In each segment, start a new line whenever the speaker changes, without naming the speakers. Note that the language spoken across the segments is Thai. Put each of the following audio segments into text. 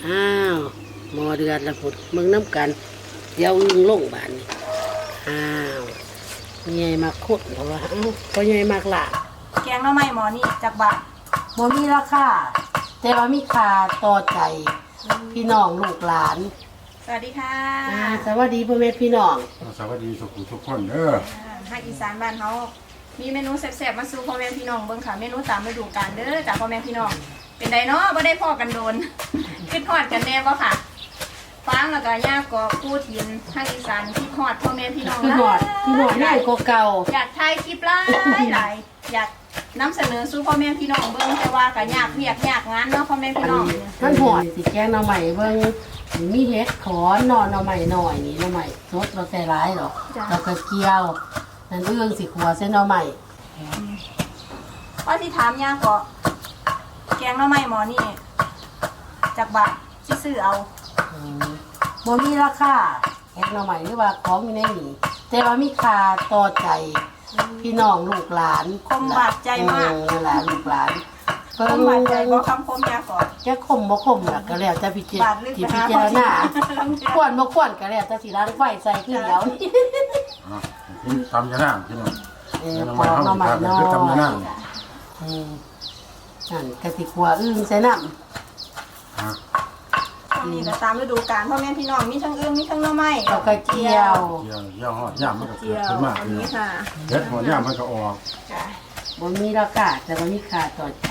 อ้าวหมอเดือดละพุดมึงน้ำกันเดี๋ยวอึ้งลงบานนี่อ้าวใหญ่มากโคตรเพราะว่าพอใหญ่มากหลา
แกงหน่อไม้หมอนี่จากบะ
บ่มีราคาแต่ว่ามีค่าต่อใจพี่น้องลูกหลาน
สวัสดีค่ะ
สวัสดีพ่อแม่พี่น้อง
สวัสดีทุกคนเด้อ
ภาคอีสานบ้านเขามีเมนูแซ่บๆมาสู่พ่อแม่พี่น้องเบิ่งค่ะเมนูตามฤดูกาลเด้อจากพ่อแม่พี่น้องเป็นไดเนาะบ่ได้พ่อกันโดน คิดฮอดกันแน่บ่ค่ะฟังแล้วก็ย่าก็พูดยินภาคอีสานคิดฮอดพ่อแม่พี่น้อง
พี่หอดง่ายกว่าเก่า
อยากถ่ายคลิปหลายอยากนำเสนอสู่พ่อแม่พี่น้องเบิ่งแต่ว่าก็ยากเวียกยากงานเนาะพ่อแม่พี่น้อง
มันหอดสิแกงหน่อใหม่เบิ่งมีเห็ดขอนหน่อใหม่หน่อยนี่หน่อใหม่สดเราใส่ร้ายหรอกเราก็เกี่ยวนั่นเรื่องสิขัวเส้นหน่อใหม่
ว่าที่ถามย่าก็แกงหน่อไม้หมอนี่จากบะสิซื้อเอา
บ่มีราคาแกงหน่อใหม่หรือว่าของอยู่ในนี้แต่ว่ามีค่าต่อใจพี่น้องลูกหลาน
คมบาดใจมาก
เวลาลูกหลาน
คมบาดใจบ่คำคมยาก่อน
จะคมบ่คมล่ะก็แล้วแต่พิจ
บาดลึก
ที่
ไป
พิ
หา
จารณา
พ่
ค
อ
วรบ่ควรก็แล้วแต่สิร้านไฟใส่คือเดียวนี่
กินตำยะนางพี่น้อง
ปอกหน่อใหม่น้อย
คือตำยะนาง
นั่นกะสิขัวอึ้งใส่น้
ช่วงนี้ก็ตามฤดูกาลพ่อแม่พี่น้องมีทั้งอึ่งมีทั้งหน่อไม้
ำแล้วก็เจียว
เยี่ยวหอดย่ามมันก็
เจี
เกิด
ยว
ขึ้นมา
อัน
พี่น้อ
นี้
ง
ค่ะ
เด็ดหัวย่ามมันก็ออก
จ้ะ
บ่มีราคาแต่ว่ามีค่าต่อใจ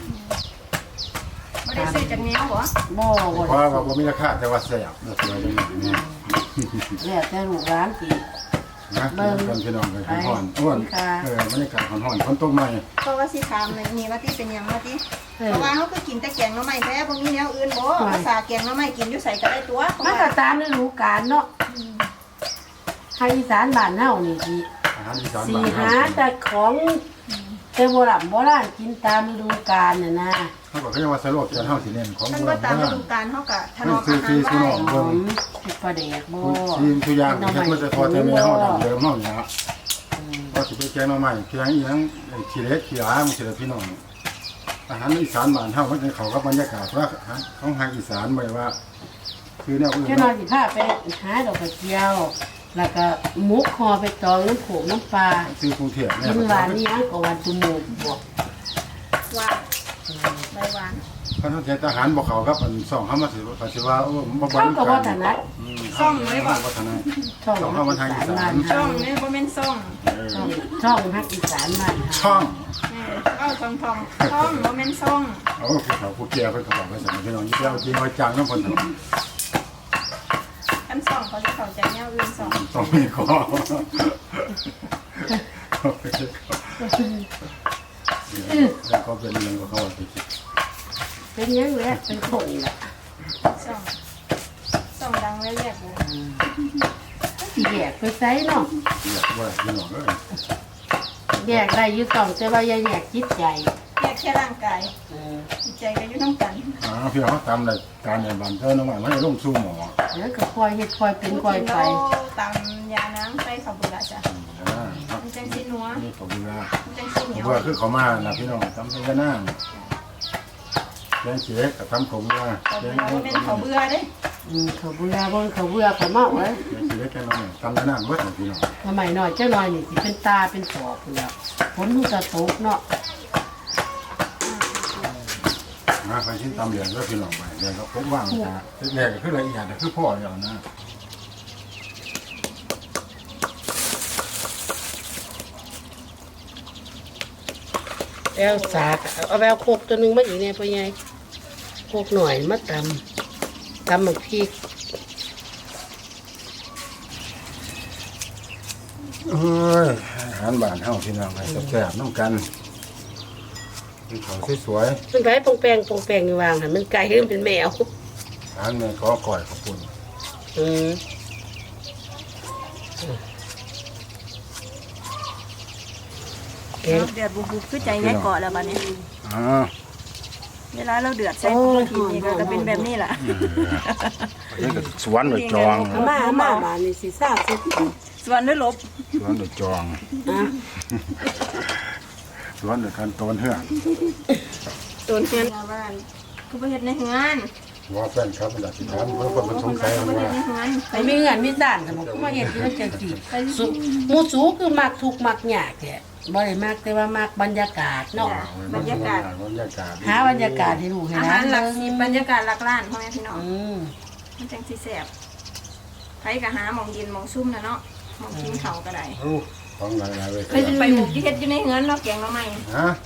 ไม่ได้ซื้อจากแนวบ่
บ่
เพราะว่าบ่มีราคาแต่ว่าแซ่บน่าสวยจังนี่
แล้วแต่ลูกร้านสิ
นะกันพี่น้องกันฮ้อนอ้วนบรรยากาศฮ้อนฝนตกใหม่
เพราะว่าสิถามเลยนี่ว่าที่เป็นหยังว่าที่เพราะว่าเขาคือกินแต่แกงหน่อไม้แท้บ่มีแนวอื่นบ่ภาษาแกงหน่อไม้กินอยู่ใส่ก็ได้ตัว
มันก็ตามฤดูกาลเนาะภาคอีสานบ้านเฮานี่สิ
อาหารอีสาน
สิ
บ้าน
หา
เฮา
แต่ของแต่โบราณกินตามฤดูกาลน่ะนะ
เขาบอกเขาจะว่าสโลกจะเฮาสิเน้นของ
มัน
โบ
ก็
ราณ
ตามฤดูกาลเขาก็ถนอมอาหาร
คือ
ไว้
พี่น้อง
หอมปลาแดกบ่
ทีมทุกอย่างเฮ็ดมาแต่พอแต่แม่เฮาดั้งเดิมเฮานี่ฮะก็สิไปแกงหน่อไม้แกงอีหยังขี้เล็กขี้หลามันสิได้พี่น้องอาหารอีสานบ้านเฮามันเข้ากับบรรยากาศว่าของทางอีสานบ่ได้ว่า คือแนวอื่น
แค่นอนสิพาไปหาดอกกระเจียว แล้วก็หมุกคอไปตองน้ำโขงน้ำปลา
ซื้อกรุงเทพ
กินหวานนี่อันก็หวานจมูกบวก
หวานใบหวาน
คันเทศทหารบ่เข้ากับอัน2เฮามาสิว่าโอ้บ่
เข้ากับว่าถนัด
ซ่องเลยบ่ถนัด
ช่อง
เข้ามาทางอีสาน
ช่องนี่บ่แม่นซ่อง
ช่องฮักอีสานบ้าน
ช่อง
เอาทองช่องบ่แม่นซ่อง
โอ้ผู้เฒ่าผู้แก่เพิ่นก็บอกว่าซั่นพี่น้องอย่าเอาจริงเอาจังนำเพิ่น
อันซ่องเขาจะเข้าใจแนวอื่นซ่อง
ต้องมีขอแล้วก็เป็นเรื่องของเขาที่
เป็นยังแหละเป็นคนแหละ
ซ่องดังแรกๆเลย
สิแยกไปไซเนาะ
อยากว่าพี่น้องเอ้ย
แยกได้อยู่สองแต่ว่าอย่าแยกจิตใจ
แค่ร่างกายจิตใจก็อยู่นำกัน
พี่น้องเขาทำรายการในบ้านเจ้าน้องใหม่ไม่ได้ลงสู่หมอ
แล้วก็คอยเฮ็ดคอยเป็นคอยไป
ตามยาน้ำใส่ข้าวเบื่อจ้ะมันจังสินัว
นี่ขอบคุณนะ
มันจังสิเหนียว
เบื่อคือเขามานะพี่น้องทำเป็นกันหน้าแกงเขียกับทำขมว่า
ข้าว
แก
เบื่อง บ่แม่นข้าวเบื่อเด้
เขาเบื่อบ่เขาเบื่อเขาเมาเลย
แกงเขียแกงน้องทำกันหน้าเบื่อพี่น้อง
สมัยหน่อยเจ้าหน่อยนี่สิเป็นตาเป็นศอกพุ่นแล้วฝนมันจะตกเนาะ
นะไปชิ้นตำเหลืองก็พี่น้องไปเดี๋ยวก็พบว่างนะแรกก็คือละเอียดแต่คือพ่ออย่างนะ
แล้วสากเอาแววโคกตัวหนึงมาอีกเนี่ยพ่อใหญ่โคกหน่อยมาตำหมักพริก
เอ้ยอาหารบ้านเฮาพี่น้องไปแซ่บๆน้ำกันเป็นของสวย
มันไปปองแปงอยู่วางหันมันไก่ขึ้นเป็นแมว
ๆอาหารแม่ขอก่อยขอบคุณ
อืมแกง
เดือดบุบๆคือใจยายเกาะแล้วบัดนี้
อ่า
เวลาเราเดือดใส่ทีนี่ก็เป็นแบบนี้ล่ะ
นี่ก็สวนหรือจอง
มาบ้านนี่สิซ่าสิ
ส่วนด้วยลบ
สวนหรือจอง
อ่ะ
สวนหรือการต้นเหือก
ต้นเฮือนบ้านคือบ่เฮ็ดในเฮือน
ว่าแฟนครับมันอยากสิถามเพิ่นคนสงสัย
บ่
ว่า
เฮ็ดในเฮือน
ไปมีเงินมีซ่านก็บ่คือมาเฮ็ดอยู่จังซี่สุหมู่สูคือมักทุกข์มักยากแท้บ่ได้มักแต่ว่ามักบรรยากาศเนาะ
บรรยากาศ
หาบรรยากาศให้ลูกให้
อา
หลา
หาร
น
หลัก
เบิ่ง
บรรยากาศหลักล้านพ่อแม่พี่น้อง มันจังสิแซ่บไผก็หาหม่องเย็นหม่องซุ่มน่ะเนาะหม่องกินข้าวก็ได้
ของหลายๆเลย
เคยไปบุกที่เฮ็ดอยู่ในเฮือนเนาะแกงหน่อไม้
ฮะ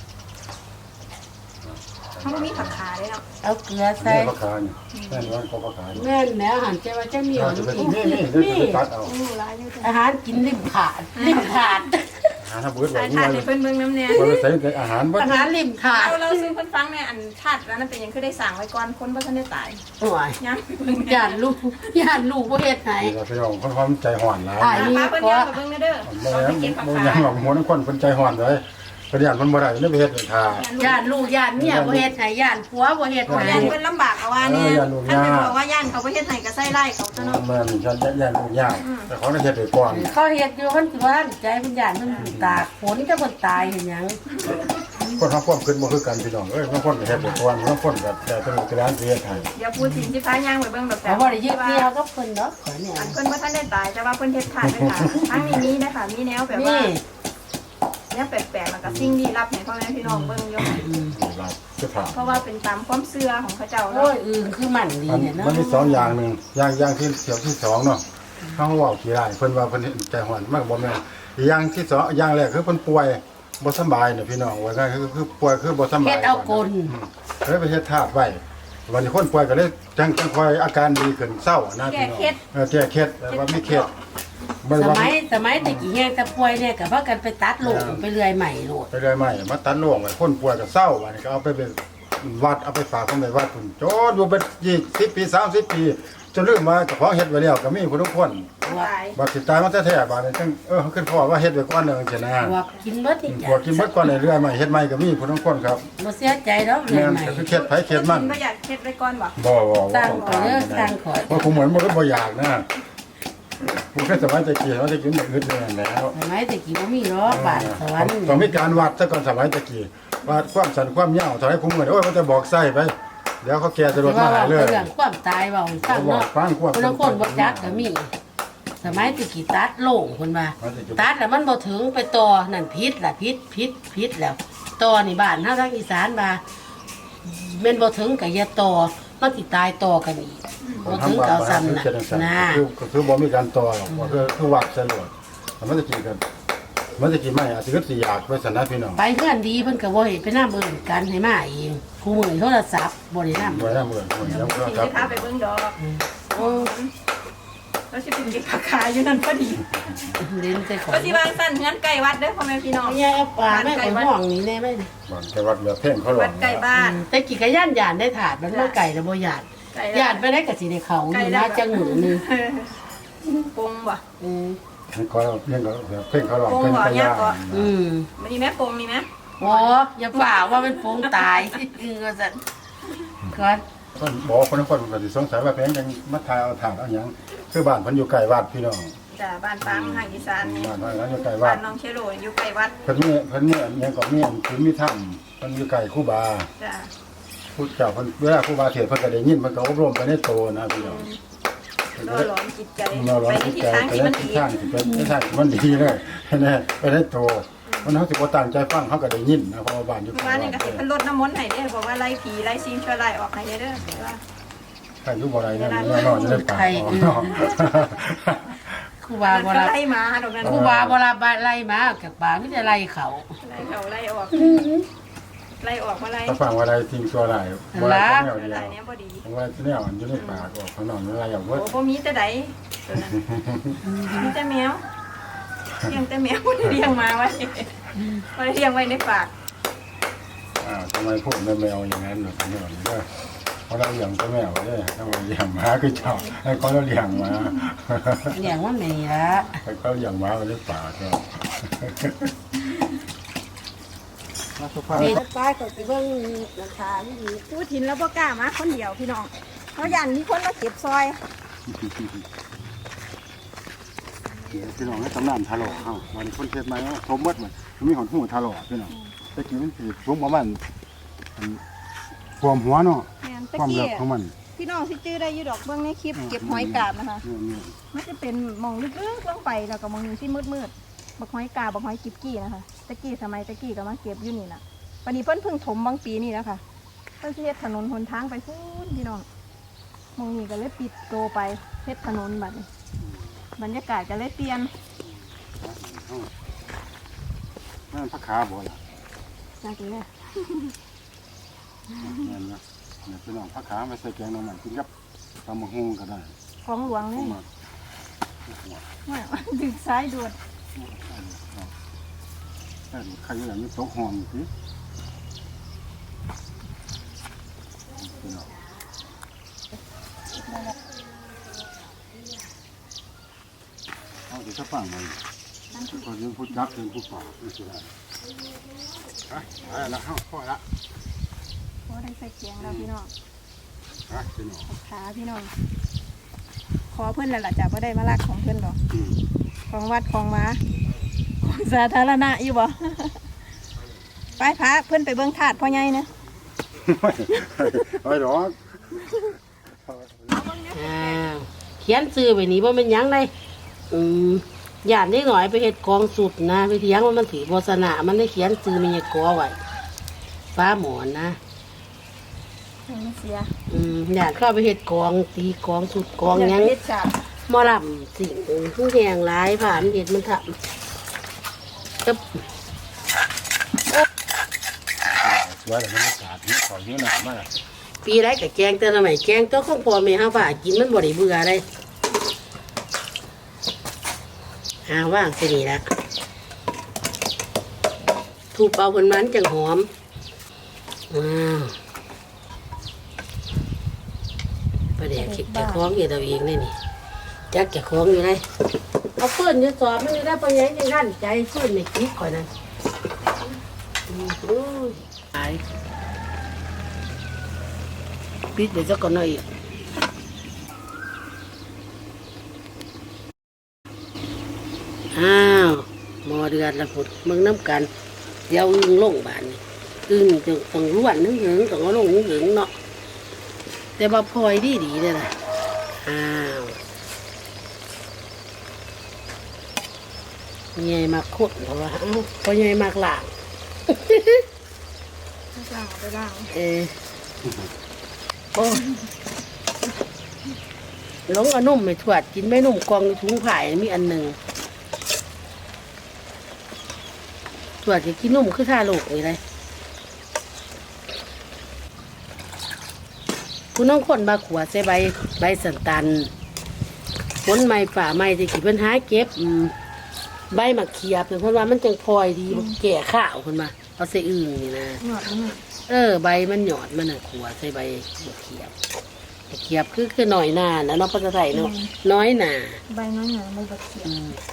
เขาบ่มีผักขาเลยเนาะ
เอาเกลือใส่
ใส่ปลาคาเนี่ยแม่นว่าเขาปลาคาเนี่ย
แม่นแหล้วหันใจว่าจะมีหยัง
จะไป
กิน
นี่เดี๋ยวจะตัดเอา
โอ้หลายอยู่จ้ะ
อาหารกินริมขาดริมขาด
หาถ้าเบิดไว้
อา
นี่
ชาติ
ไว้
ให้เพิ่นเบิ่งน้ำแน่
บ่ได้ใส่แต่อาหารบ่
อาหารริมขาด
เราซื้อเพิ่นฟังแน่อันชาติแล้วนั่นเป็นหยังคือได้สั่งไว้ก่อนคนบ่ทันได้ตาย
โอ้ย
ยังเบิ่ง
ย่านลูกบ่เฮ็ดให้
นี่เราพี่น้องคนความใจห่อนหลาย
อ้าย
พาเพิ่นย่างไปเบิ่งเด้อ
บ่
เรา
แม่
ไป
น
เก็บผัก
บ่
ขา
ยังหรอกหัวน้ำคนเพิ่นใจห่อนเลยเพิ่นย่านเพิ่นบ่ได้เลยไปเฮ็ดให้ทา
ย่านลูกย่านเมียบ่เฮ็ดให้ย่านผัวบ่เฮ็ดให้
ย่านเพิ่นลำบากเอาว่าเนี่ย
ย่านลูก
อัน
ย่า
เป็นบอกว่าย่านเขาบ่เฮ็ดให้ก็ใส่ไล่เขาตัวเนาะ
แม่นฉันย่านลูกย่างแต่เขาได้เฮ็ดให้ก่อน
เขาเฮ็ดอยู่เพิ่นสิว่าใจเพิ่นย่านเพิ่นตากฝนจะเพิ่นตายเห็นหยัง
คนทำความคิดบ่คือกันพี่น้องเอ้ยบางคนก็เฮ็ดให้ก่อนบางคนก็แต่เป็นกระดานเฮ็ดให้
เดี๋ยวพูดถึงสิพาย่างไปเบิ่งดอกแต่
เขาบ่ได้ยึดเดียวกับเพิ่นเนาะขอเนี่ย
อันเพิ่นบ่ทันได้ตายแต่ว่าเพิ่นเฮ็ดทานด้วยค่ะทั้งนี้มีนะคะมีแนวแบบว่า
นี่
แนวแปลกๆแล้วก็สิ่งลี้ลับให้พ่อแม่พี่น้องเบิ่งอยู่
รับจะถาม
เพราะว่าเป็นตามความเชื่อของเขาเจ้า
โอ้
เนาะ
ยอื่นคือมันดีเนี่ยเนาะ
มันมีสองอย่างหนึงอย่างที่เกี่ยวที่สองเนาะเขาเว้าขี้ร้ายเพิ่นว่าเพิ่นใจห่อนมากบ่แม่นอีกอย่างที่สองอย่างแรกคือเพิ่นป่วยบ่สบายน่ะพี่น้องว่าง่ายคือป่วยคือบ่สบาย
เฮ็ดเอากล
เลยไปเฮ็ดธาตุไว้วันนี้คนป่วยก็เลยจังคอยอาการดีขึ้นเศร้านะพี่น้องแก้เคล็ดแต่ว่ามีเคล็ดบ่
ส
ได้ว่า
มัยตะกี้แห้งแต่ป่วยเนี่ยก็พากันไปตัดโลงไปเรื่อยใหม่โลด
ไปเลยใหม่มาตัดโล่งไว้คนป่วยก็เศร้าวันนี้ก็เอาไปเป็นวัดเอาไปฝากคนไปวัดพุ่นจนอยู่เป็น20 ปี30 ปีจนลืมว่าเจ้าของเฮ็ดไว้แล้วก็มีผู้ทุกคน
ตาย
บัดสิตายมาแท้ๆบัดนี้จังขึ้นพ่อว่าเฮ็ดไว้ก่อนเด้อจังซี่นะ
พวกกินเบิดนี่
พวกกินเบิดก่อนเรื่อยๆใหม่เฮ็ดใหม่ก็มีผู้ทุกคนครับ
บ่เสียใจดอกเรื่
แม่
อย
น
ใหม่
ก็คือเคล็ดไผเคล็ดมัน
บ่อยากเฮ็ดไว้ก่อนบ่
บ่
สร้างข่อยเด้อสร้างข่อย
เพราะผมเหมือนบ่อยากนะผมแค่สมัยตะกี้ว่าจะกินแบบอื่นเลยแล้ว
สมัยตะกี้บ่มีหรอกบ้านสวรรค์
ต้องมีการวัดซะก่อนสมัยตะกี้วัดความสันความยาวเท่าไหร่ผมเหมือนโอ้ยมันจะบอกไส้ไปเดี๋ยวเขาแก่จะรถ
ว่า
มาหาเลย
เรื่องความตายเว้าให้ฟัง
บอก
เนาะ
ฟังควบ
คนละคนบ่จักก็มี สมัยตะกี้ตัดโล่งเพิ่นว่าตัดแล้วมันบ่ถึงไปต่อนั่นผิดล่ะผิดแล้วต่อนี่บ้านเฮาทางอีสานว่าแม่นบ่ถึงก็อย่าต่อมันสิตายต่อกันอีกบ่ถึงก็เอาซ้ำน่ะนะ
คือบ่มีการต่อหรอกคือวัดสลดมันตะกี้กันมันตะกี้ไม่อาจจะก็สิอยากไปสนับพี่น้อง
ไปเพื่อนดีเพิ่นก็บ่เฮ็ดไปนำเอิ้นกันให้มาเองคู่มือโทรศัพท์บ่ได้นำ
ไว้นะมื้อแล้วก็
สิ
ครับ
พาไปเบิ่งดอก
โอ้
แล้วสิไปเก็บผักขาอยู่นั่นพอดี
เล่นใส่ของ
ก็สิวางสั้นเฮือนใกล้วัดเด้อพ่อแม่พี่น้อง
ยายเอาปลาแม่ของห้องนี่แน่ไหม
บ่อนแต่วัดเหลือเพ่งเขาหล
วัดใกล้บ้าน
แต่กี่กะย่านได้ถาดมันบ่ไก่แล้วบ่ย่าน
ใกล้
ย่านไปได้ก็สิได้เขาอยู่นะจังหนูนึง
ปงบ่
เขาเพ่งเขาเพ่งเขาหลอก
ปง
เพ่ง
บ่
ข
ยาย
ะ
บ่
มัน
มีแม่ปงมีไหม
โอ้อย่าฝ่าว่ามันโปงตายก็สั่นก่อน
คนบอกคนคนก็สิสงสัยว่าเพ่งจังมาทายเอาถางเอาหยังคือบ้านเพิ่นอยู่ใกล้วัดพี่น้อง
จ้าบ้านปางทางอีสานนี่
บ้านอยู่ใกล้วั
บ้า
ด
นน้องเชโลอยู่ใกล้วัด
เพิ่นยังก็มีคือมีถ้ำเพิ่นอยู่ใกล้ครูบา
จ้า
ผู้เจ้าเพิ่นเวลาครูบาเทศน์เพิ่นก็ได้ยินเพิ่นก็อบรมไปในโตนะพี่น้อง
ล่อหลอมจิตใจ
เราร้อน
ไปใน
จิต
ทิศ
ใจ
ทาง
ไป
ที่
ใน
มัน
ทิศ
ดี
ทางที่เป็นทิศทางที่มันดีเลยแน่ไปในโตมันเฮาสิบ่ตั้งใจฟังเฮาก็ได้ยินนะเพราะว่าบ้านอยู่
เมื่อ
ใกล้ว
านนี่
วัด
ก็เห็นเพิ่นลดน้ำมนต์ให้เด้อบอกว่าไล่ผีไล่สิ่งชั่วร้ายออกให้เด้อว่า
ใครอยู่บ่ได้นั่นแน่นอนอยู่ในป่าเนาะ
ครูบา
มัน
บ่
ก็
รับ
ไล่มาดอกนั้น
ครูบาบ่รับไล่มากับป่ามีแต่ไล่เขา
ไล่เขาไล่ออกไล่ออกมาไล่
ถ้าฟังว่าอะไรทิ้งตัวได้บ่ได้แนวเดีย
ไล่
ว
เนี้ยพอดี
ผมว่าแนวมันอยู่ในป่าก็ข้างนอกนี่อะไรอย่างเบิด
โอ้บ่มีแต่ใดตัวนั้นมีแต่แมวเลี้ยงแต่แมวบ่ได้เลี้ยงมาไว้บ่ได้เลี้ยงไว้ในปาก
ทำไมพูดแมวอย่างนั้นหรอเนี่ยเด้อเพราะเราเลี้ยงตัวแมวเด้อถ้าเราเลี้ยงหมาคือเจ้าให้เขาเลี้ยงหมา
เลี้ยงมันนี่ละ
ให้เขาเลี้ยงหมาไว้ในป่าก็
นี่ป้ายก็สิเบิ่งราคานี่ดี
พูดถิ่นแล้วบ่กล้ามาคนเดียวพี่น้องเขายันมีคนมาเก็บซอย
พี่น้องให้ตำนานทะเลาะเฮาวันคนเทศมาว่าสมบัติมันมีหอนหูทะเลาะพี่น้องแต่กี้มันสิสูงประมาณความหัวเนาะ
แม่นตะ
ความ
กี้
เลิกของมัน
พี่พี่น้องสิจื้อได้อยู่ดอกเบื้องในคลิปเก็บหอยกาบนะคะมันจะเป็นหมองลึกๆลงไปแล้วก็หมองนึงที่มืดๆบักหอยกาบบักหอยกิบกี้นะคะตะกี้สมัยตะกี้ก็มาเก็บอยู่นี่นะวันนี้เพิ่นเพิ่งถมบางปีนี่แล้วค่ะเพิ่นสิเฮ็ดถนนหนทางไปพูนพี่น้องหมองนี้ก็เลยปิดโตไปเฮ็ดถนนบัดนี้บรรยากาศก็เลยเปลี่ยน
นั่นผักขาบ่ล่ะ
จากนี้
นั่นนะเนี่ยพี่น้องผักขามาใส่แกงหน่อไม้กินกับตำบักหุ่งก็ได้
ของหลวง
ผ
นี่
มว่า
ว่าดึงซ้ายด่วน
แต่ดูใครอย่างนี้ตกหอมสิพี่น้องเอาเดี๋ยวจะฟังมันก็ยังพูดยักษ์ยังพูดป่าไม่ใช่ได้ไปละเข้าพ่อละ
เพราะได้ใส่เกียงแล้วพี่น้อง
พี่น้อง
ขาพี่น้องขอเพื่อนแล้วล่ะจ้ะว่าได้มาลักของเพื่อนหรอกของวัดของม้าของสาธารณะอยู่บ่ ไปพาเพื่อนไปเบิ้งถาดพ่อใหญ่นะ
ไม่หรอก
เขียนซื้อไปนี้ว่ามันหยังไดย่านนิดหน่อยไปเฮ็ดกองสุดนะไปเถียงว่ามันถือโฆษณามันได้เขียนซื้อมีกอไว้ฟ้าหมอนนะ
ไม่เสีย
ย่านเข้าไปเฮ็ดกองตีกองสุดกองหยัง
เฮ็ดจ้ะ
หมอลำสิ่งผู้แหงหลายผ่านเด็ดมันทำกับ
สวยแต่มันไม่ขาดนี่ขอเยอะหนามาก
ปีไรกับแกงแต่ละใหม่แกงตัวของพ่อแม่ห้าฝ่ากินมันบ่ได้เบื่อเลยว่างสินี่ละถูกเป่าผลมันจังหอมประเดี๋ยวคิดจะคล้องอยู่ตัวเองนี่นี่จักจะคล้องอยู่เลยเอาเพื่อนจะสอบมันได้ปะยังยังขั้นใจเพื่อนในคลิปก่อนนั้นตายปิดเดี๋ยวจะก่อนหน่อยอีกอ้าวหมอเดือดละพุดมึงน้ำกันเดี๋ยวอึ้งลงบานนี่อึ้งจะต้องล้วนนึงหึงต้องเอาลงนึงหึงเนาะแต่ว่าพลอยดีเลยล่ะอ้าวใหญ่มากโคตรเพราะว่าพอใหญ่มากหลาง
ล่างไปล่าง
โอ้หลงเอานุ่มไม่ถวดกินไม่นุ่มกองในถุงไผ่มีอันหนึ่งถวดจะกินนุ่มคือท่าลูกนี่เลยคุณน้องคนบาขวดใส่ใบสันตันผลไม้ป่าไม้ที่ขีดปัญหาเก็บใบหมักเขียบเพราะว่ามันจังพลอยดีแก่ข้าวคนมาเอาใส่อึ่งนี่นะ
หยอดมัน
ใบมันหยอดมันน่ะขัวใส่ใบเขียบเขียบคือหน่อยหนานะน้องภาษาไทยเนาะน้อยหนา
ใบน้อยหน่อยใบบักเขียบ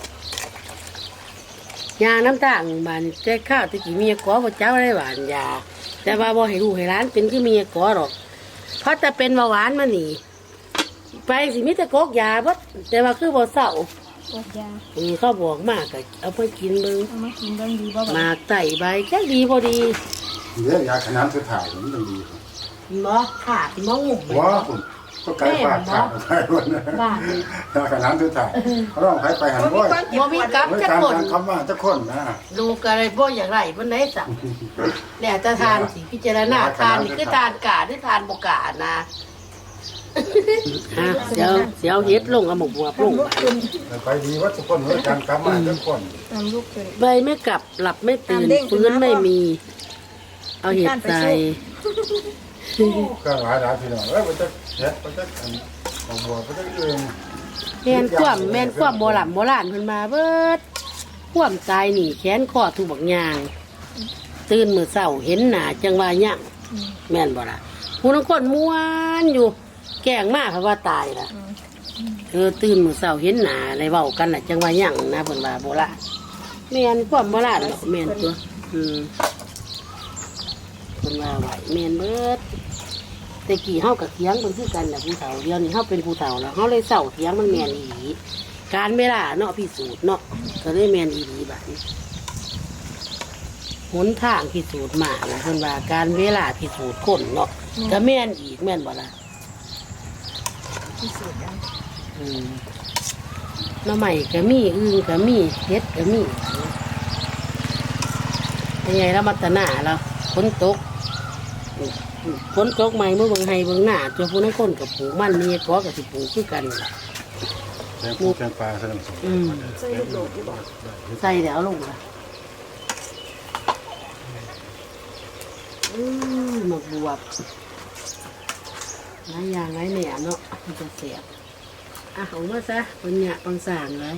ยาน้ำตาลบานแต่ข้าวตะกี้มีกอพระเจ้าได้หวานยาแต่ว่าบ่ให้ลูกให้ร้านเป็นคือมีกอหรอกเพราะแต่เป็นเบาหวานมาหนีไปสิมิตรกอกยาบ่แต่ว่าคือบ่เศร้า
ปวดยา
เขาบอกมากก็เอาไปกินเบิ่ง
เอามากินเบิ่งดีบ่
หมากไต่ใบแค่ดีพอดี
เดี๋ยวยาขนาดสุดท้ายมันต้องดี
บ่ขาดมองงุ่ม
ว้าคุณก็ไกลปากขาดไปวันนั้น
บ้านนี่
ยาขนาดสุดท้ายเขาต้องไปหันบ่อย
บ่มีกับ
ไม่
จัก
การ
คน
คำว่าจะคนนะ
ลูกอะไรบ่อย่างไรบ่ไหนสั่งแล้วจะทานสิพิจารณาทานนี่คือทานกาหรือทานบ่กานะเดี๋ยวเฮ็ดลงเอาหมกบัวลง
ไปดีว่าทุกคนเหมือนกันคำว่าจะคน
ทำลูกเลย
ใบไม่กลับหลับไม่ตื่นฟื้นไม่มี เอาเห็ดใส่
ก็หลายพี่น้องมันจะเฮ็ดมันจะเอาบัวมันจะเอง
แม่นความโบราณเพิ่นมาเบิดความตายนี่แขนคอถูกบักยางตื่นมื้อเช้าเห็นหน้าจังว่าหยังแม่นบ่ล่ะผู้นังคนม่วนอยู่แกล้งมาเพราะว่าตายล่ะตื่นมื้อเช้าเห็นหน้าอะไรเว้ากันน่ะจังว่าหยังนะเพิ่นว่าโบราณแม่นความโบราณเนาะแม่นตัวเพิ่นว่าไหวแม่นเบิดแต่กี้เฮากับเถียงเพิ่นคือกันน่ะผู้เฒ่าเดี๋ยวนี้เฮาเป็นผู้เฒ่าแล้วเฮาเลยเศร้าเถียงมันแม่นอีหลีการเวลาเนาะพิสูจน์เนาะก็เลยแม่นอีหลีบัดนี้หนทางพิสูจน์มาเพิ่นว่าการเวลาพิสูจน์คนเนาะก็แม่นอีกแม่นบ่ล่ะ
ที่สุดแล้ว
หน้ำใหม่ก็มีอึ่งก็มีเฮ็ดก็มียังไงเรามาตะหน้าเราฝนตกใหม่เมื่อเบิ่งไห้เบิ่งหน้าตัวผู้นั้นคนกับปลูกมันมีก็กับสิปลูกคือกัน
แตงปูแตงปลาแสดงสม
ใส่ลูกโดดอยู่บ่
ใส่แล้วลงละหมกบวบหลายอย่างหลายแหน่เนาะมันจะเสียบเอามาซะปัญญาปังสางเลย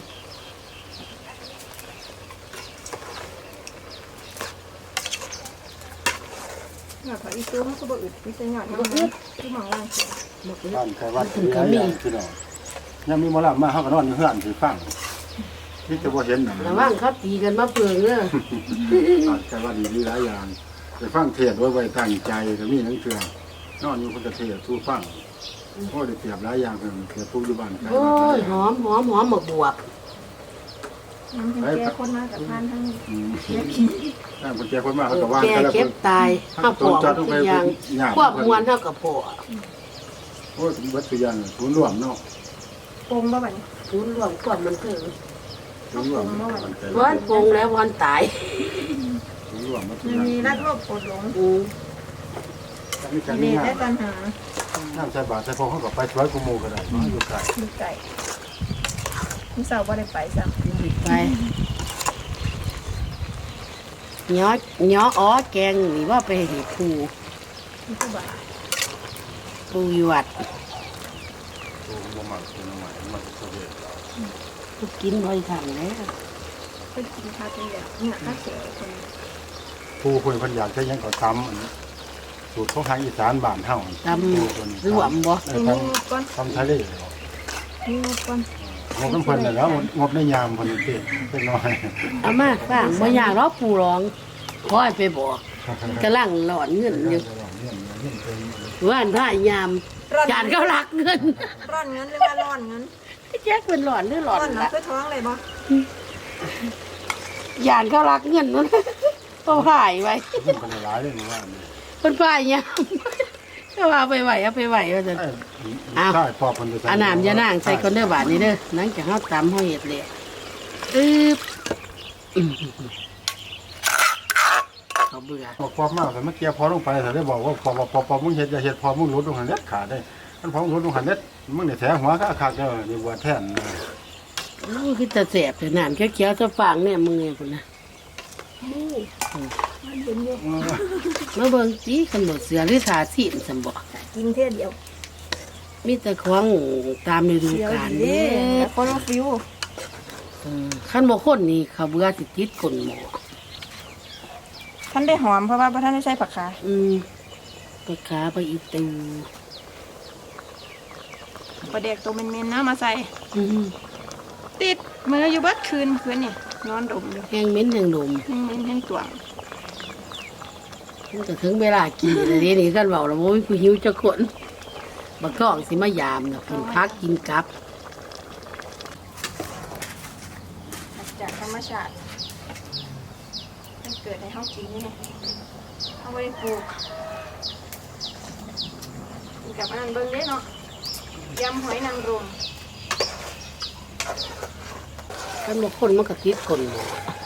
หยอดผักอีตู้มันก็บ่อึดมีแต่หยอดมันอึดที่หมองล่างเสีย
หมกเลย
บ้านใครวัดที่หลายอย่างพี่น้องยังมีหมอลำมาเขาก็นอนอยู่เฮือนถือฟังที่จะบ่เห็นน่ะ
ระวังเขาตีกันมาเปลืองเนอะ
บ้านใครวัดนี่มีหลายอย่างไปฟังเทศน์ไว้ตั้งใจก็มีหนังเทื่อนอนอยู่คนจะเทศน์ทูฟังโอ้ได้เปรียบหลายอย่างเพิ่นเปรียบผู้อยู่บ้านใคร
โอ้ยหอมหมกบวบ
น้ำเป็นแก่คนมากับทานทั้ง
อืม
แก่ขี้
ถ้าคนแก่คนมาเขาก็ว่าง
แก
แต่ละ
เก็
ค
บ
น
ตายข้าวปอกทุกอย่างควบมวนเท่ากับผัว
โอ้ยเบัดสุยันศูนย์รวมเนาะ
ปงบ่บัดนี้
ทุนรวมควบมันคือ
ศูนย์รวม
วันปรุงแล้ววันตาย
ศูนย์รวมมาสุ
มัน
ยัน
มีรักโลภโกรธหลง
มีการ
มี
มี
ได้
งาน
ปัญหา
น้ำใส่บาตรใส่พอเขาก็ไปช่วยกุโมก็ได้เนาะอยู่ไกล
มีไก่มีเสาบ่ได้ไปซ้ำ
ไปย้ออ้อแกงนี่ว่าไปเห็ดปู
มีผู้บ่า
ปูอยู่วัด
ตัวบ่มักตัวน้ำใหม่มันจะเวท
ก็กินบ่อยครั้งแล้ว
ไปกินข้าวเป็นแบบเนี่ยข้าวเสือคน
ผู้คนคนอยากจะยังก็ทำอันนี้สูตรของทางอีสานบ้านเฮา
ตำรวมบ่
มีงบก่อน
ทำทะเล
มีงบก่อน
งบน้ำเพิ่นน่ะแล้วงบในยามเพิ่นนี่เป็นน้อย
เอามาฟังบ่อยากรอปูร้องคอยไปบอกกำลังหลอนเงินอยู่ว่านท่ายามจานเขารักเงิน
ร่อนเงินหรือว่าร่อนเงิน
แจ๊กเป็นหลอนหรือหลอน
ร่อนเนาะ
ละ
เพื่อท้องเลยบ่
ยานเขารักเงินนั่นเขาหายไว้
เพิ่นเป็นหลายเลยว่านี่
เป็นฝ่ายยามก็ว่าไปไหวเอาไปไหวว่าจะ
ใช่พอเพิ่น
อาน้ำยานางใส่คนเด้อบาทนี้เด้อหลังจากเขาตำเขาเห็ดเลยเขาเบื่อ
พอมากแต่เมื่อกี้พอลงไปแต่ได้บอกว่าพอมึงเฮ็ดอย่าเฮ็ดพอมึงลดลงหันเด็ดขาดได้มันพอมึงลดลงหันเด็ดมึงเนี่ยแถหัวก็ขาดเด้อนี่บัวแท่น
คือจะแสบแต่น้ำเขียวๆจะฟางเนี่ยมึงเนี่ยคุณนะ
มันเย็นอยู่
มาเบิ่งจีขนมเสือหรือทาสีนสมบ่
กินเท่ยเดียว
มีแต่ของตามฤดู
เดียว
กาล
ดี
เด้
แล้วคนละฟิว
ขั้นบ่คนนี่เขาเบื่อสิติดคนหมอ
ท่านได้หอมเพราะว่าท่านได้ใส่ผักขา
ไปขาไปอีตู
ปลาเด็กตัวเมนๆนะมาใส่ ติดมืออยู่เบัดคืนนี่นอนดมอยู่
แห้งเหม็นแห้งดม
แห้งตัว
มันก็ถึงเวลากินแล้วนี่กันเว้าแล้วบ่มีผู้หิวจักคนบักกองสิมายามน่ะเพิ่นพักกินกับ
จากธรรมชาติมันเกิดในห้องกินนี่เอาไว้ปลูกกับอันนั้นเบิ่งเด้เนาะยำหอยนางรม
ขั้นบ่คนมันก็ติดคนหมอ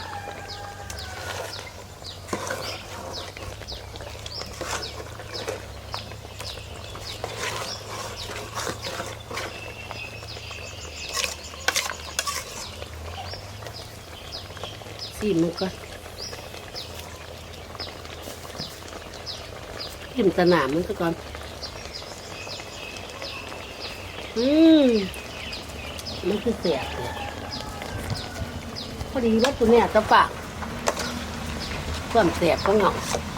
สิมันก็กินสนามมันก็ก่อนมันคือเสียบเลยพอดีว่าตัวเนี้ยจะปากความเสียบก็เหงา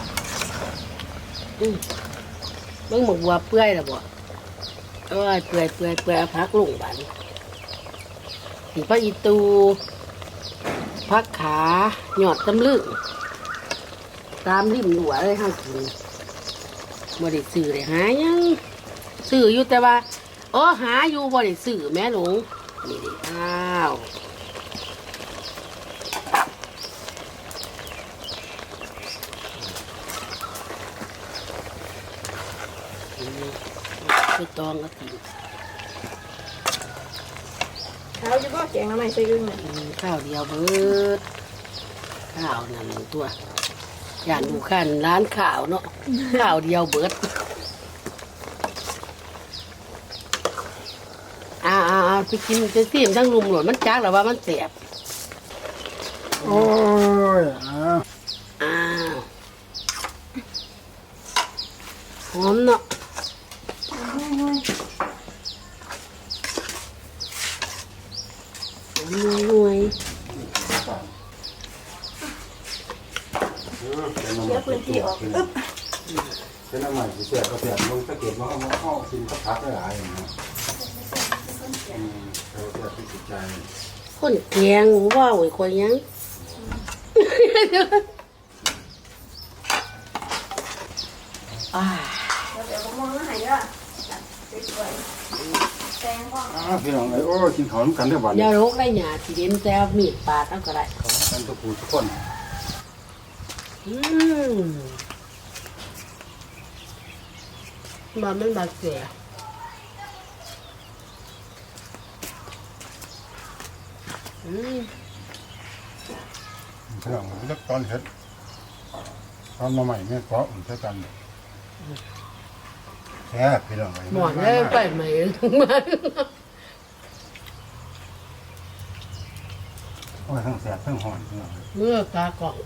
เบิ่งหมกบัวเปื่อยแล้วบ่เอ้ยเปื่อยเอาพักลงบัดนสีพระอีตูพักขาหยอดตำลึงตามริมหัวเลยห้ากินบ่ได้ซื้อเลยหายังซื้ออยู่แต่ว่าหาอยู่บ่ได้ซื้อแม่หลงนี่ดิอ้าวไปตองก็ติ
เอาจะบ่แกงน้ำใหม่ใส่อึ่งน่ะ
ข้าวเดียวเบิดข้าวนั่นตัวอย่าดูขันร้านข้าวเนาะข้าวเดียวเบิดไปกินไปซีมทั้งลุมหลดมันจักแล้วว่ามันเสียบ
โอ้ย
อ้าวหอมเนาะหอมหน่วย
เดี๋ยวพื้นที่ออกอึ๊บ
เป็นน้ำใหม่สิเสียก็เสียลงตะเกียบมาเข้ากินก็พักได้หลายอย่างนะเราเสียที่จิตใจ
คนแกงว่าโอ้ยคนยัง
เดี๋ยวก็มองมาให้เด้อสวยๆแตงก็
พี่น้องโอ้กินข้าวกันได้บ่
อย่าโรคได้หยาที่เด่นแต่มีดปาดเอาก็ได้
กันทุกผู้ทุกคน
มันบาดเสีย
พี่น้องเลือกตอนเฮ็ดตอนมาใหม่เนี่ยเพราะมันใช้กันแค่พี่น้อง
หมอนเลยไปไหมมา
โอ้ยทั้งแสบทั้งหอนพี่น้อง
เมื่อตากล่อง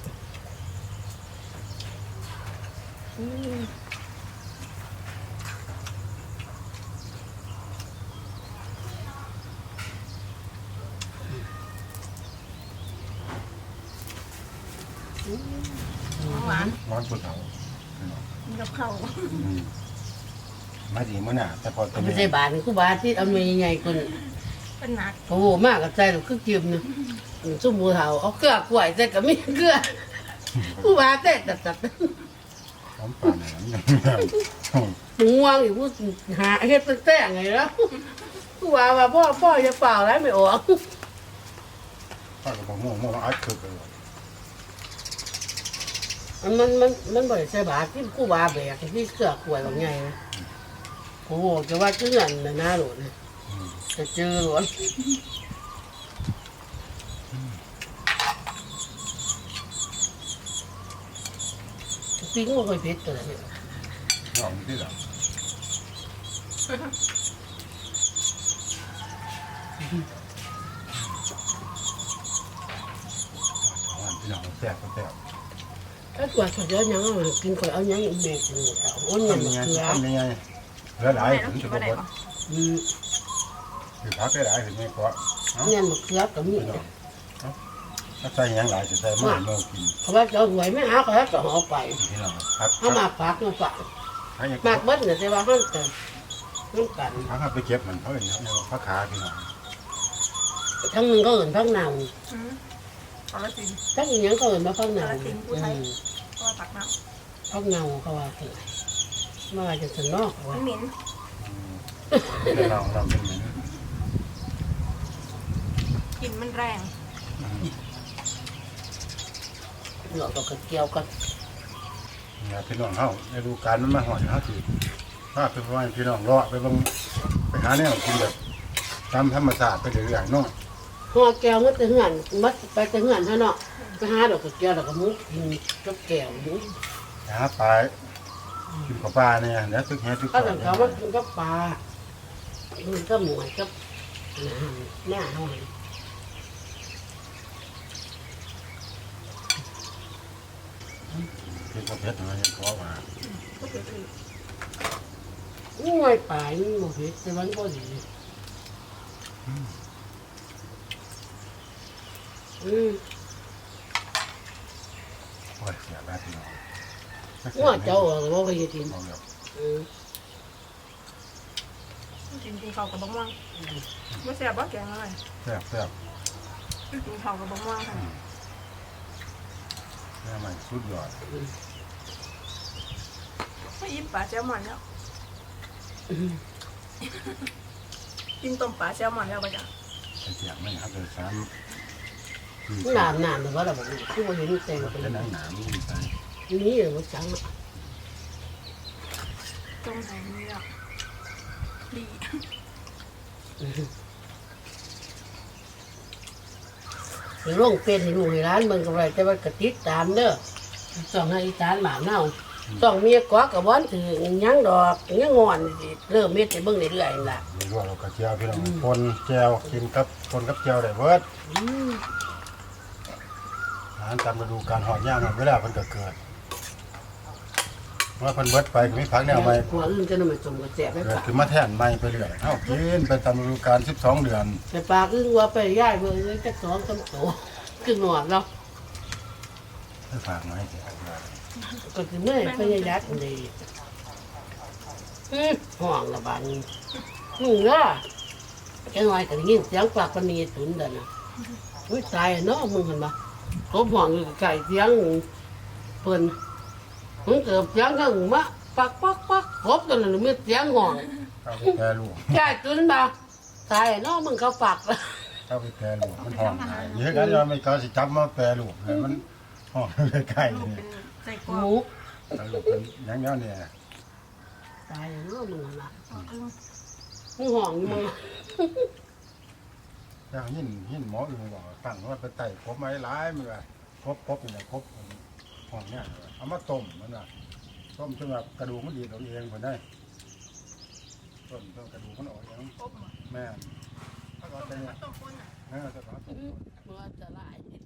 หวาน
ร้อนปวดเท้าพี่น้อง
มีกับข้าว
ไม่ดีมื้อน่ะแต่พอตัว
ไม่
นี้
ใช่บาทนี่คือบาทที่เอาเนยใหญ่คน
เป็นหนัก
โอ้โหมากกับใจหรือคือจิ้มเนี่ยซุ่มหมูเถาเอาเกลือกล้วยใส่กับมีเกลือผู้บาเต้จัด
หอมป่านนั้น
ง่วงอยู่ผู้หาเฮ็ดเป็นแต่งไงแล้วผู้บาว่าพ่อจะเปล่าแล้วไม่ออก
ป้าก็บอกม่วงอัดคือเลย
มันบ่ได้ใช่บาทที่ผู้บาแบกที่เกลือกล้วยแบบไงนะโอ้โหจะว่าเกลือนนะน่าหลุดจะเจอหลุดปิ้งมันค่อยเผ็ดตัวนี้
ลองที่หลังพี่น้องแซ่บแซ่บ
ถ้ากว่าเขาจะยังเอากินก่อนเอายังอีกแม่กินเอาอ้นยัง
ทำยังไง
เกลือ
ทำยังไงเหลือหลาย
แม่ต้
ถึ
อง
ง
กิ
จะ
น
บอ
มาก ได้
ว่า
ปะ
คือพักได้หลายถึงไม่พอ
เนี่ยมันเกลือกับมี
ถ้าใส่ยังหลายจะใส่หม้อโม่กิน
เขาว่าจะหวยไม่เอาเขาจะเอาไป
พี่น้องพัก
เขามาฝากมาฝาก
พักยัง
มากเบิ้ลเนี่ยแต่ว่าห้ามเติมน้ำกัน
พักไปเก็บมันเขาเองเนี่ยพักขาพี่น้อง
ทั้งนึงก็เอินพักเนา
เอาละสิ
ทั้งอีกอย่างก็เอินมาพักเนา
เพราะว่าตักน้
พักเนาเขาว่าคือมาว่าจะสนอก
ำมั
ว่าน
เหม็น
เราเป็นเหมือน
กลิ่นมันแรง
หลอกกับเกี่ยวกัน
พี่น้องเขาในดูการมันมาหอยเขาถือถ้าเป็นว่าพี่น้องรอไปบางไปหาแนวกินแบบตามธรรมชาติไปเรื่อยๆน้อง
ห่อแก้วมันจะเหือนมัดไปจะเหือนเท่าเนาะไปหาดอกกับแก้วดอกกับมุกกินกับแก้วมุก
หาปลากินกับปลาเนี่ยแล้วตึกแห่ตึก
ก็ต้องเขาว่ากินกับปลามันก็หมวยกับหน้าหอย
กินกับเพชรมันยังขอมา
ง่วยปลายมันบ่เผ็ดแต่มันก็ดี
โอ้ยเสียแล้วพี่น้อง
ง่วเจ้าหรือว่าไปกิน
มองแบบ
กินข้าวกับบ้งว่างไม่แซ่บบ่แกงอะไร
แซ่บแซ่บ
กินข้าวกับบ้งว่างค่ะ
แม่ใหม่สุดยอด
ไม่ยิ้มปลาแซลมอนแล้วกินต้มปลาแซลมอนแล้วปะจ๊ะ
เสียงไม่ครับเลยซ้
หนามหรือว่าเราบอกคือว่าเห็นเต็ม
ำ
เป็น
เป็นหนังหนาไม่มีใจ
นี้หรือว่าจัง
ต้มไห่นี่อ่ะดี
หรือลงเป็นให้ลูกให้ร้านเบิ่งกับไรแต่ว่ากระติดตามเด้อต้องให้อีสานบ้านเฮาต้องมีกอกกับวันถือหยังดอกหยังงอนสิเริ่มเม็ดให้เบิ่งเรื่อยๆนั่นล่ะ
มีด้วยเรากระเจียวพี่น้องคนแจวกินกับคนกับแจวได้เบิดอาหารตามฤดูกาลหอดย่างมันเวลาเพิ่นก็เกิดว่าเพิ่นเบิดไปก็มีผักแนวใหม่
หัวอื่นจะนำไปส่งกระแสไป
เกิด
ปาก
ขึ้นมาแทนใหม่ไปเรื่อยเอ้ากินไปตามฤดูกาล12 เดือน
ไปปากอึ้งว่าไปย่ายเบิ่งจัก2 3โตคือหนวดเนาะ
ให้ฝากมาให้เถอะ
ก็สิเมื่อยพยายามดีห่วงละบาดนี้ล่ะแค่น้อยก็ได้ยินเสียงปากปนีตุนเด้อน่ะอุ้ยตายเนาะมึงเห็นบ่กบห่วงอยู่ไก่เสียงเพิ่นมึงเกิดเสียงข้างมาปักปักปักกบตัวนั้นมีเสียงห่วง
เข้าไปแปรรูป
ยายตุนบ่ตายเนาะมึงเขาปัก
เข้าไปแปรรูปมันหอมหายเยอะกันว่าไม่ก็สิจับมาแปรรูปเลยมันหอมใกล้ๆนี่
ใส่ก
ห
วาง
มู
แปรรูปเป็นอย่างเงี้ยเนี่ย
ตายเนาะมึงน่ะมึงห่วงอยู่มึง
อย่างหินหมออื่นบอกตั้งว่าไปไต่ครบไม้หลายมันว่าครบนี่แหละครบหอมเนี่ยเอามาต้มมันว่าต้มจนแบบกระดูกมันดีดออกเองคนได้ต้มกระดูกมันออกอย่างแม่ถ้าก็จะเนี่ย
ต้มคนอ่ะ
ถ้าก็
มึงจะไล่